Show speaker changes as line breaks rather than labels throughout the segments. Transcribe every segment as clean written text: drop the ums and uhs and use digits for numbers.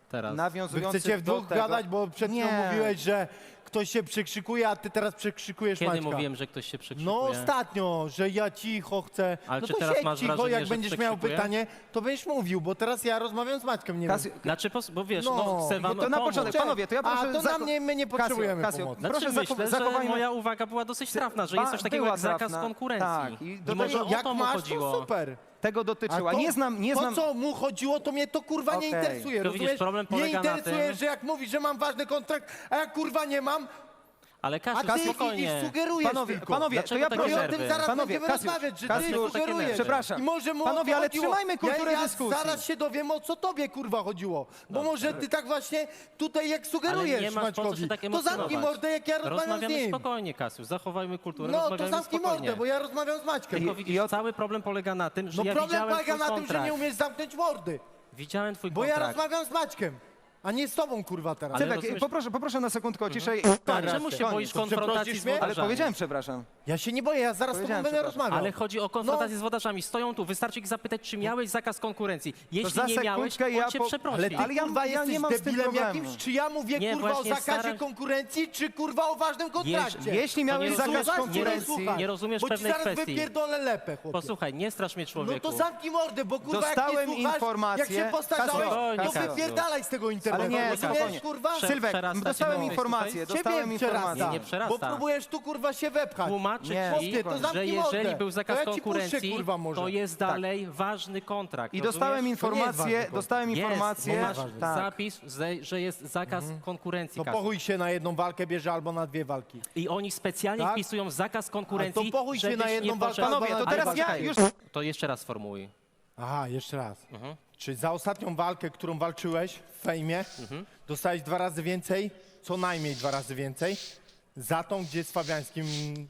teraz.
Wy
nawiązujących
chcecie w
do
dwóch
tego...
gadać, bo przed chwilą
Nie.
mówiłeś, że ktoś się przekrzykuje, a ty teraz przekrzykujesz
Kiedy
Maćka.
mówiłem, że ktoś się przekrzykuje?
No ostatnio, że ja cicho chcę.
Ale
no
czy
to
teraz
siedź
masz
cicho,
wrażenie,
jak
że
będziesz miał
przekrzykuję?
pytanie, to będziesz mówił, bo teraz ja rozmawiam z Maćkiem, nie wiem.
Znaczy, bo wiesz,
No,
no chcę wam
to na
pomóc.
początek, panowie, to ja proszę...
A to na mnie, my nie potrzebujemy pomocy.
Znaczy,
proszę
myślę, że
zachowajmy...
moja uwaga była dosyć trafna, że jest coś takiego
była
jak zakaz
trafna.
konkurencji.
Tak, i do
I może
tego-
o
Jak
to mu
masz,
chodziło.
to super.
Tego dotyczyła. Nie znam...
To, co mu chodziło, to mnie to kurwa nie
Okej.
interesuje,
To widzisz,
rozumiesz?
problem
Mnie
polega na
interesuje,
tym-
że jak mówisz, że mam ważny kontrakt, a jak kurwa nie mam,
Ale
a
Kasiu,
ty idziesz,
spokojnie.
sugerujesz
Panowie,
tylko.
panowie,
Dlaczego
to ja
takie
No i
proszę...
o tym
nerwy?
zaraz
Panowie,
będziemy
Kasiusz,
rozmawiać, że
Kasiusz,
ty sugerujesz.
przepraszam.
I może mu o
Panowie,
to
ale
chodziło.
trzymajmy kulturę
ja
dyskusji.
Zaraz się dowiem, o co tobie kurwa chodziło. Bo może ty tak właśnie tutaj jak
Ale
sugerujesz
nie masz po co
Maćkowi,
się tak
to
emocjonować.
zamknij mordę, jak ja rozmawiam z
Rozmawiamy
nim.
spokojnie, Kasiu, zachowajmy kulturę,
No to
rozmawiamy
zamknij
spokojnie.
mordę, bo ja rozmawiam z Maćkiem.
Tylko widzisz, cały problem polega na tym, że
No
ja
problem
widziałem
polega
twój
na tym, że
kontrakt.
nie umiesz zamknąć mordy.
Widziałem twój
Bo ja
kontrakt.
rozmawiam z Maćkiem, a nie z tobą kurwa teraz.
Ale
Cybek,
rozumiesz-
poproszę na sekundkę o ciszę i...
Czemu się boisz
To
konfrontacji
przeprosisz
z
mnie?
Ale
wodarzami?
powiedziałem przepraszam.
Ja się nie boję, ja zaraz z tobą
Powiedziałem,
będę
przepraszam.
rozmawiał.
Ale chodzi o konfrontację z wodarzami. Stoją tu, wystarczy ich zapytać, czy miałeś zakaz konkurencji. Jeśli
za
nie miałeś,
sekundkę
on cię przeprosi.
Ale ty
Ale ja-
kurwa
ja
jesteś
nie mam z tym
debilem
problemu.
jakimś, czy ja mówię
Nie,
kurwa o
właśnie
zakazie
staram-
konkurencji, czy kurwa o ważnym kontrakcie?
Jeśli
To
miałeś
nie
zakaz
rozumiesz-
konkurencji...
nie rozumiesz
bo
pewnej
ci zaraz
kwestii.
wypierdolę lepę, chłopie.
Posłuchaj, nie strasz mnie,
No
człowieku.
to zamknij mordę, bo kurwa
Dostałem
jak nie słuchasz,
informację-
jak się postarzałeś,
Kasiu,
to
Kasiu.
wypierdalaj z tego internetu.
Ale nie,
rozumiesz,
spokojnie.
kurwa?
Sylwek,
Przerasta
dostałem
cię
informację,
tutaj?
dostałem
Ciebie przerasta,
informację.
Nie przerasta.
bo próbujesz tu kurwa się wepchać.
Tłumaczy
Nie,
ci,
chłopie, to
że
zamknij
jeżeli
mordę.
był zakaz
To ja ci puszczę,
konkurencji,
kurwa, może.
to jest dalej ważny kontrakt.
I
rozumiesz?
dostałem
ważny
informację,
kontrakt.
dostałem
Jest,
informację...
bo masz
tak.
zapis, że jest zakaz konkurencji.
To
Kasiu.
pochuj się na jedną walkę bierze albo na dwie walki.
I oni specjalnie
Tak?
wpisują zakaz konkurencji,
Ale to pochuj się
żebyś
na jedną
nie
walkę,
poszedł...
Panowie, to
Ale
teraz ja
poczekaj,
już...
To jeszcze raz sformułuj.
Aha, jeszcze raz.
Mhm.
Czy za ostatnią walkę, którą walczyłeś w fejmie, dostałeś 2 razy więcej, co najmniej 2 razy więcej, za tą, gdzie z Fabiańskim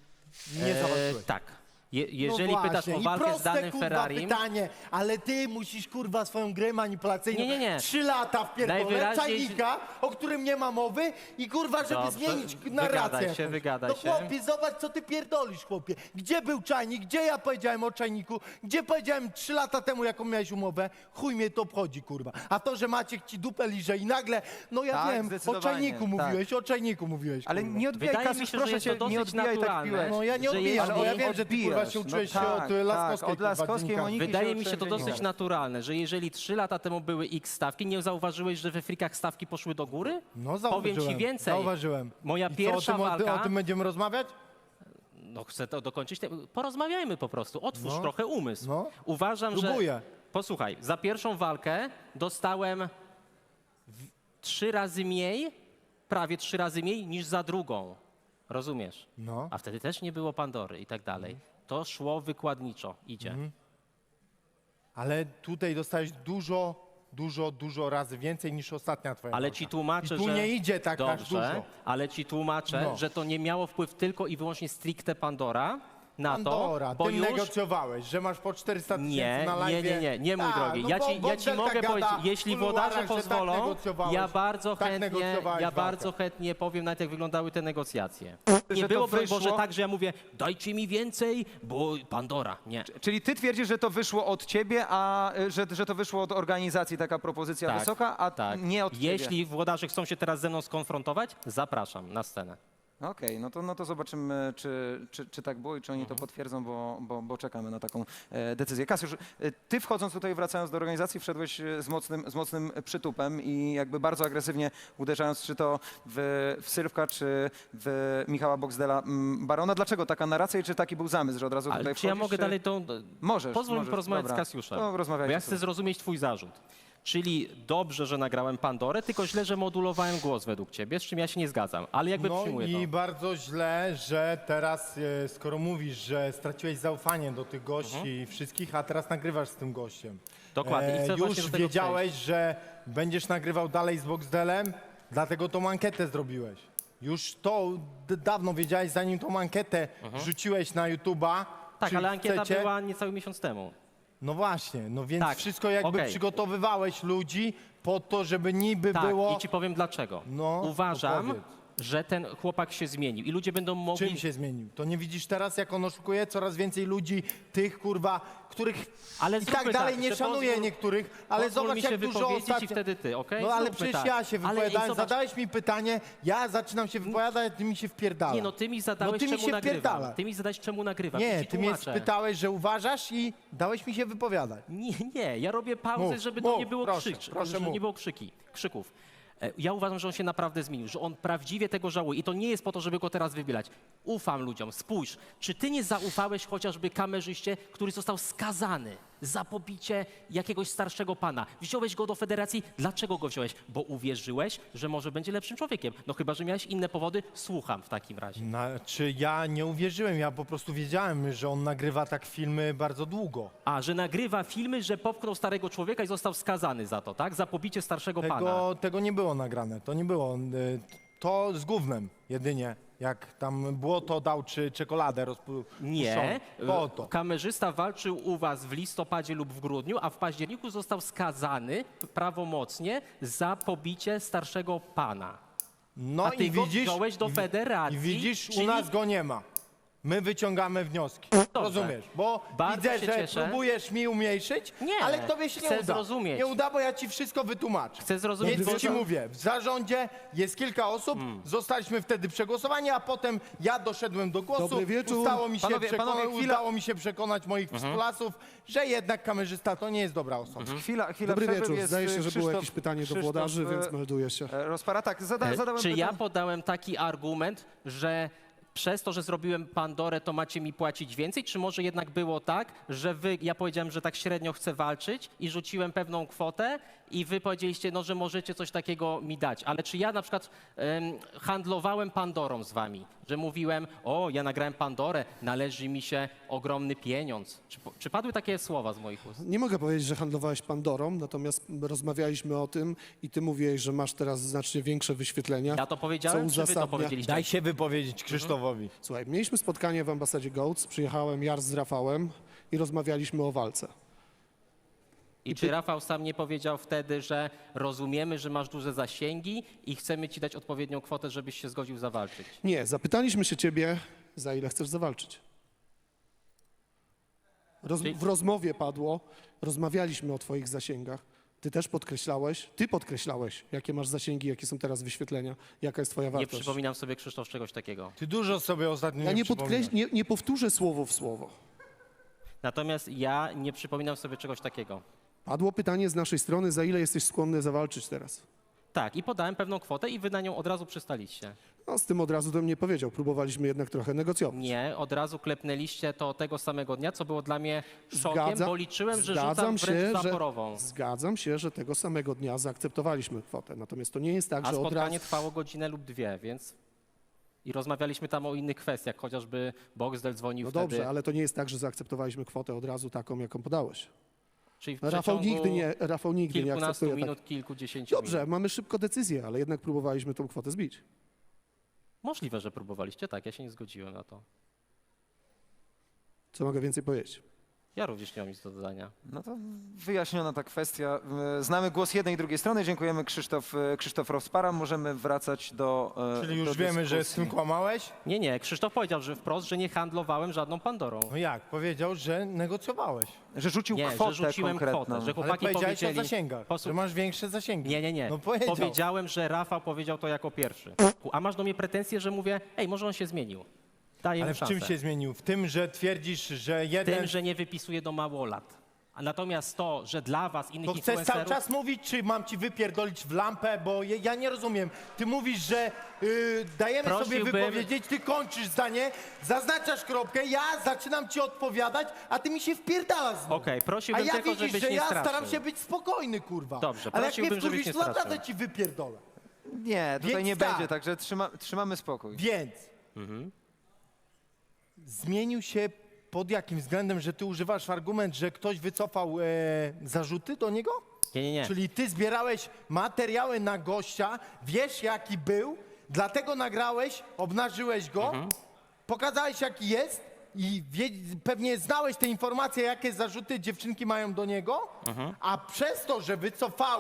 nie zawalczyłeś?
Tak. Jeżeli
No
pytasz
właśnie,
o
i
walkę
proste,
z danym
kurwa,
Ferrarim,
pytanie, ale ty musisz kurwa swoją grę manipulacyjną
Nie.
3 lata w pierdolę
Najwyraźniej-
czajnika, o którym nie ma mowy i kurwa, żeby
Dobrze,
zmienić
wygadaj
narrację
się,
jakąś.
wygadaj
No
się.
chłopie, zobacz co ty pierdolisz, chłopie. Gdzie był czajnik, gdzie ja powiedziałem o czajniku, gdzie powiedziałem 3 lata temu, jaką miałeś umowę, chuj mnie to obchodzi, kurwa. A to, że Maciek ci dupę liże i nagle, no ja
Tak,
wiem, o
zdecydowanie,
czajniku
tak.
mówiłeś, o czajniku mówiłeś,
Ale
kurwa.
nie odbijaj,
Wydaje mi
Kasiusz,
się, że
proszę
jest
cię,
to
nie
dosyć
odbijaj tak
naturalne.
piłeś.
No ja nie
że
odbijam, bo ja
jeśli
wiem, że ty kurwa się
odbijasz,
uczyłeś
no
się
tak,
od Laskowskiej,
od Laskowskiej
kurwa,
Moniki.
dziennikarza.
wydaje mi się to
uczyłem
dosyć
dziennika.
naturalne, że jeżeli 3 lata temu były X stawki, nie zauważyłeś, że we frikach stawki poszły do góry?
No
Powiem ci
zauważyłem,
więcej.
zauważyłem.
Moja
I co,
pierwsza
o
walka...
tym będziemy rozmawiać?
No chcę to dokończyć. Porozmawiajmy po prostu. Otwórz
No.
trochę umysł.
No.
Uważam,
Próbuję.
że... Posłuchaj, za pierwszą walkę dostałem 3 razy mniej, prawie 3 razy mniej niż za drugą. Rozumiesz?
No.
A wtedy też nie było Pandory i tak dalej. To szło wykładniczo. Idzie.
Ale tutaj dostałeś dużo razy więcej niż ostatnia twoja
Ale
walka.
ci tłumaczę,
I tu
że...
nie idzie tak aż
Dobrze,
dużo.
ale ci tłumaczę,
No.
że to nie miało wpływ tylko i wyłącznie stricte Pandora na
Pandora,
to, bo
ty
już...
negocjowałeś, że masz po 400 tysięcy
Nie,
na live.
nie, mój drogi.
no
Ja
bo
ci
Bogdelka
mogę
gada
powiedzieć, jeśli
w kuluarach,
włodarze
że tak
pozwolą,
negocjowałeś.
ja bardzo
Tak
chętnie,
negocjowałeś walkę.
bardzo chętnie powiem nawet jak wyglądały te negocjacje.
Że
Nie
to
było, broń
wyszło-
Boże, tak, że ja mówię, dajcie mi więcej, bo Pandora. Nie.
Czyli ty twierdzisz, że to wyszło od ciebie, a że to wyszło od organizacji taka propozycja
Tak,
wysoka, a
tak.
nie od ciebie?
Jeśli włodarze chcą się teraz ze mną skonfrontować, zapraszam na scenę.
Okej, no to zobaczymy, czy tak było i czy oni to potwierdzą, bo czekamy na taką decyzję. Kasiusz, ty wchodząc tutaj, wracając do organizacji, wszedłeś z mocnym przytupem i jakby bardzo agresywnie uderzając, czy to w Sylwka, czy w Michała Boxdela Barona. Dlaczego taka narracja i czy taki był zamysł, że od razu
Ale
tutaj
czy ja
wchodzisz,
mogę
czy...
dalej to...
Możesz.
Pozwól mi porozmawiać
dobra.
z Kasiuszem.
To
Bo
rozmawiajcie
ja chcę
sobie.
zrozumieć twój zarzut. Czyli dobrze, że nagrałem Pandorę, tylko źle, że modulowałem głos według ciebie, z czym ja się nie zgadzam. Ale jakby
No
przyjmuję
i
to.
bardzo źle, że teraz, skoro mówisz, że straciłeś zaufanie do tych gości wszystkich, a teraz nagrywasz z tym gościem.
Dokładnie. I chcę właśnie
Już
do tego
wiedziałeś, że będziesz nagrywał dalej z Boxdelem, dlatego tą ankietę zrobiłeś. Już to dawno wiedziałeś, zanim tą ankietę rzuciłeś na YouTube'a.
Tak,
czy
ale ankieta
chcecie.
była niecały miesiąc temu.
No właśnie, no więc
Tak,
wszystko jakby
okej.
przygotowywałeś ludzi po to, żeby niby
Tak,
było...
i ci powiem dlaczego.
No,
Uważam,
opowiedz.
że ten chłopak się zmienił i ludzie będą mogli...
Czym się zmienił? To nie widzisz teraz, jak on oszukuje? Coraz więcej ludzi, tych kurwa, których
Ale
i
zróbmy
tak dalej
tak,
nie
że
szanuje
pozwól-
niektórych, ale
pozwól
zobacz
mi się
jak dużo
wypowiedzieć i
ostatnio...
wtedy ty, okej?
No ale
Zróbmy
przecież
tak.
ja się
Ale
wypowiadałem,
zobacz-
zadałeś mi pytanie, ja zaczynam się wypowiadać, a ty mi się wpierdalasz.
Nie no, ty mi zadałeś,
No ty mi
czemu
się
nagrywam.
wpierdala.
Ty mi zadałeś, czemu nagrywam.
Nie,
I ci
ty mnie
tłumaczę.
spytałeś, że uważasz i dałeś mi się wypowiadać.
Nie, ja robię pauzę,
Mów,
żeby
mów,
to nie było
proszę, proszę
żeby
mów.
nie było krzyków. Ja uważam, że on się naprawdę zmienił, że on prawdziwie tego żałuje i to nie jest po to, żeby go teraz wybierać. Ufam ludziom. Spójrz, czy ty nie zaufałeś chociażby kamerzyście, który został skazany za pobicie jakiegoś starszego pana? Wziąłeś go do federacji. Dlaczego go wziąłeś? Bo uwierzyłeś, że może będzie lepszym człowiekiem. No chyba, że miałeś inne powody. Słucham w takim razie.
Czy ja nie uwierzyłem, ja po prostu wiedziałem, że on nagrywa tak filmy bardzo długo.
A, że nagrywa filmy, że popchnął starego człowieka i został skazany za to, tak? Za pobicie starszego pana.
Tego nie było nagrane, to nie było. To z gównem jedynie, jak tam błoto dał czy czekoladę rozpuszczoną.
Nie,
Po to.
kamerzysta walczył u was w listopadzie lub w grudniu, a w październiku został skazany prawomocnie za pobicie starszego pana.
No
A ty
i
go
widzisz,
wziąłeś do federacji,
I widzisz,
czyli-
u nas go nie ma. My wyciągamy wnioski. Rozumiesz? Bo
Bardzo
widzę,
się
że
cieszę.
próbujesz mi umniejszyć,
Nie,
ale tobie się nie
chcę
uda.
zrozumieć.
Nie uda, bo ja ci wszystko wytłumaczę.
Chcę zrozumieć,
Więc
bo
ci
to-
mówię, w zarządzie jest kilka osób, zostaliśmy wtedy przegłosowani, a potem ja doszedłem do głosu.
Dobry wieczór.
Panowie,
udało mi się przekonać moich współlasów, że jednak kamerzysta to nie jest dobra osoba.
Chwila
Dobry
przerwy,
wieczór.
jest,
Zdaje się, że było
Krzysztof-
jakieś pytanie do
Krzysztof,
włodarzy, więc melduję się.
Rozpara, tak, zadałem
Czy ja
pytanie.
podałem taki argument, że przez to, że zrobiłem Pandorę, to macie mi płacić więcej? Czy może jednak było tak, że ja powiedziałem, że tak średnio chcę walczyć i rzuciłem pewną kwotę i wy powiedzieliście, no, że możecie coś takiego mi dać. Ale czy ja na przykład handlowałem Pandorą z wami? Że mówiłem, o, ja nagrałem Pandorę, należy mi się ogromny pieniądz. Czy padły takie słowa z moich ust?
Nie mogę powiedzieć, że handlowałeś Pandorą, natomiast rozmawialiśmy o tym i ty mówiłeś, że masz teraz znacznie większe wyświetlenia.
Ja to powiedziałem,
co
czy wy to
uzasadnia-
powiedzieliście?
Daj się wypowiedzieć Krzysztofowi.
Słuchaj, mieliśmy spotkanie w ambasadzie Goats, przyjechałem Jar z Rafałem i rozmawialiśmy o walce.
I czy Rafał sam nie powiedział wtedy, że rozumiemy, że masz duże zasięgi i chcemy ci dać odpowiednią kwotę, żebyś się zgodził zawalczyć?
Nie, zapytaliśmy się ciebie, za ile chcesz zawalczyć. W rozmowie padło, rozmawialiśmy o twoich zasięgach. Ty podkreślałeś, jakie masz zasięgi, jakie są teraz wyświetlenia, jaka jest twoja
Nie
wartość.
przypominam sobie, Krzysztof, czegoś takiego.
Ty dużo sobie ostatnio
Ja
przypominasz.
nie powtórzę słowo w słowo.
Natomiast ja nie przypominam sobie czegoś takiego.
Padło pytanie z naszej strony, za ile jesteś skłonny zawalczyć teraz?
Tak, i podałem pewną kwotę i wy na nią od razu przystaliście.
No, z tym od razu to mnie powiedział. Próbowaliśmy jednak trochę negocjować.
Nie, od razu klepnęliście to tego samego dnia, co było dla mnie szokiem, bo liczyłem, że rzucam wręcz zaporową.
Zgadzam się, że tego samego dnia zaakceptowaliśmy kwotę. Natomiast to nie jest tak,
A
że od
spotkanie
razu...
trwało godzinę lub dwie, więc... I rozmawialiśmy tam o innych kwestiach, chociażby Boxdel dzwonił
No
wtedy.
dobrze, ale to nie jest tak, że zaakceptowaliśmy kwotę od razu taką, jaką podałeś.
Czyli w
Rafał
przeciągu
nigdy nie
kilkunastu
akceptuje
minut,
tak.
kilkudziesięciu
Dobrze,
minut.
mamy szybko decyzję, ale jednak próbowaliśmy tą kwotę zbić.
Możliwe, że próbowaliście, tak, ja się nie zgodziłem na to.
Co mogę więcej powiedzieć?
Ja również nie mam nic do dodania.
No to wyjaśniona ta kwestia. Znamy głos jednej i drugiej strony. Dziękujemy Krzysztof Rozpara. Możemy wracać do
Czyli
do
już wiemy, że z
dyskusji.
tym kłamałeś?
Nie, Krzysztof powiedział, że wprost, że nie handlowałem żadną Pandorą.
No jak? Powiedział, że negocjowałeś.
Że rzucił
Nie,
kwotę
że rzuciłem
konkretną.
kwotę, że
Ale
chłopaki
powiedziałeś
powiedzieli...
o zasięgach, że masz większe zasięgi.
Nie.
No powiedział.
Powiedziałem, że Rafał powiedział to jako pierwszy. A masz do mnie pretensje, że mówię, ej, może on się zmienił. Daję
Ale
mu
w
szansę.
czym się zmienił? W tym, że twierdzisz, że jeden...
Tym, że nie wypisuje do małolat. A natomiast to, że dla was, innych
To chcesz cały
influencerów...
czas mówić, czy mam ci wypierdolić w lampę? Bo ja nie rozumiem. Ty mówisz, że dajemy sobie
Prosiłbym-
wypowiedzieć, ty kończysz zdanie, zaznaczasz kropkę, ja zaczynam ci odpowiadać, a ty mi się wpierdalasz znowu.
Okej,
A
prosiłbym
ja
tylko,
widzisz,
żebyś
że
nie
ja
straszył.
staram się być spokojny, kurwa.
Dobrze,
ale jak mnie
prosiłbym, żebyś
wkurwisz,
nie
to naprawdę
straszył.
ci wypierdolę.
Nie, tutaj
Więc
nie
tak.
będzie, także trzymamy spokój.
Więc zmienił się pod jakim względem, że ty używasz argument, że ktoś wycofał zarzuty do niego?
Nie.
Czyli ty zbierałeś materiały na gościa, wiesz jaki był, dlatego nagrałeś, obnażyłeś go, pokazałeś jaki jest i pewnie znałeś te informacje, jakie zarzuty dziewczynki mają do niego, a przez to, że wycofały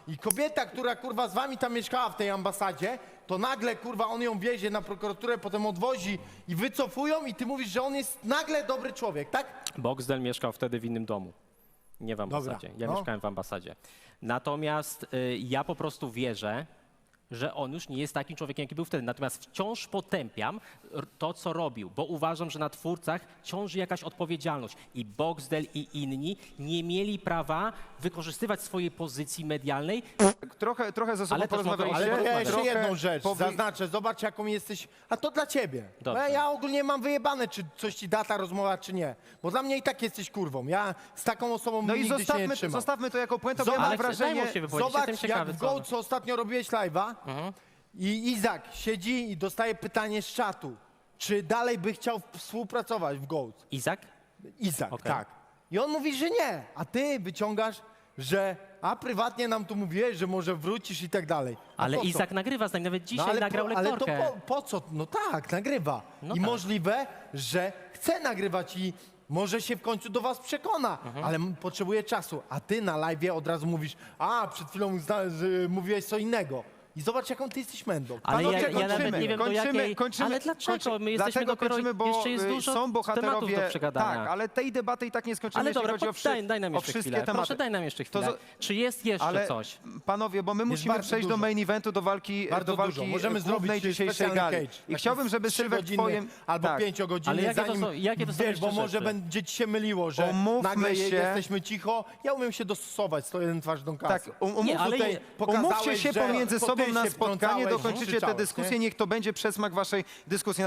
I kobieta, która kurwa z wami tam mieszkała w tej ambasadzie, to nagle kurwa on ją wiezie na prokuraturę, potem odwozi i wycofują i ty mówisz, że on jest nagle dobry człowiek, tak?
Boxdel mieszkał wtedy w innym domu. Nie w ambasadzie. Ja
no.
mieszkałem w ambasadzie. Natomiast ja po prostu wierzę, że on już nie jest takim człowiekiem, jaki był wtedy. Natomiast wciąż potępiam to, co robił, bo uważam, że na twórcach ciąży jakaś odpowiedzialność. I Boxdel i inni nie mieli prawa wykorzystywać swojej pozycji medialnej.
Trochę ze sobą
Ale też mogę-
porozmawialiście.
Ale to ja jeszcze
trochę
jedną rzecz
powy-
zaznaczę, zobacz jaką jesteś, a to dla ciebie. Bo
Dobrze.
ja ogólnie mam wyjebane, czy coś ci da ta rozmowa, czy nie. Bo dla mnie i tak jesteś kurwą. Ja z taką osobą
No i
nigdy się nie trzymam.
zostawmy to jako puentę, bo ja
Zobacz,
mam wrażenie...
daj mu się wypowiedzieć,
Zobacz,
jestem ciekawy,
jak w
co
Goat, co ostatnio robiłeś live'a i Izak siedzi i dostaje pytanie z czatu, czy dalej by chciał współpracować w Goat.
Izak?
Izak,
Okej.
tak. I on mówi, że nie, a ty wyciągasz, że prywatnie nam tu mówiłeś, że może wrócisz i tak dalej. A
Ale
po co?
Izak nagrywa z nami, nawet dzisiaj nagrał
ale
lektorkę.
to po co? No tak, nagrywa.
No
I
tak.
możliwe, że chce nagrywać i może się w końcu do was przekona, ale potrzebuje czasu. A ty na live'ie od razu mówisz, przed chwilą mówiłeś co innego. I zobacz, jaką ty jesteś mędą.
Ale
Panowie,
ja nawet nie wiem, do jakiej... Ale dlaczego? My jesteśmy
dlatego
dopiero...
kończymy, bo
jeszcze jest dużo
są
tematów
bohaterowie...
do przegadania.
Tak, ale tej debaty i tak nie skończymy,
Ale
jeśli
dobra,
chodzi o,
daj nam
o
jeszcze
wszystkie
chwilę.
tematy.
Proszę, daj nam jeszcze
To
chwilę. Czy jest jeszcze
Ale
coś?
panowie, bo my musimy
bardzo
przejść do
dużo.
main eventu, do walki,
Bardzo
do walki
dużo. Możemy
głównej
zrobić
dzisiejszej
specjalny
gali.
cage.
I chciałbym, żeby
3
Sylwek
godziny
twoim...
albo
tak.
5-godzinny,
Ale jakie to
zanim,
są- jakie to są
wiesz,
jeszcze
bo może
rzeczy?
będzie ci się myliło, że
Umówmy
nagle
się-
jesteśmy cicho. Ja umiem się dostosować, 101 twarz do kasy.
Tak,
Nie, ale
Tutaj
je-
pokazałeś,
umówcie się
że
pomiędzy
to
sobą
ty
na
się
spotkanie,
wtrącałeś,
dokończycie tę
krzyczałeś,
dyskusję,
nie?
niech to będzie przesmak waszej dyskusji.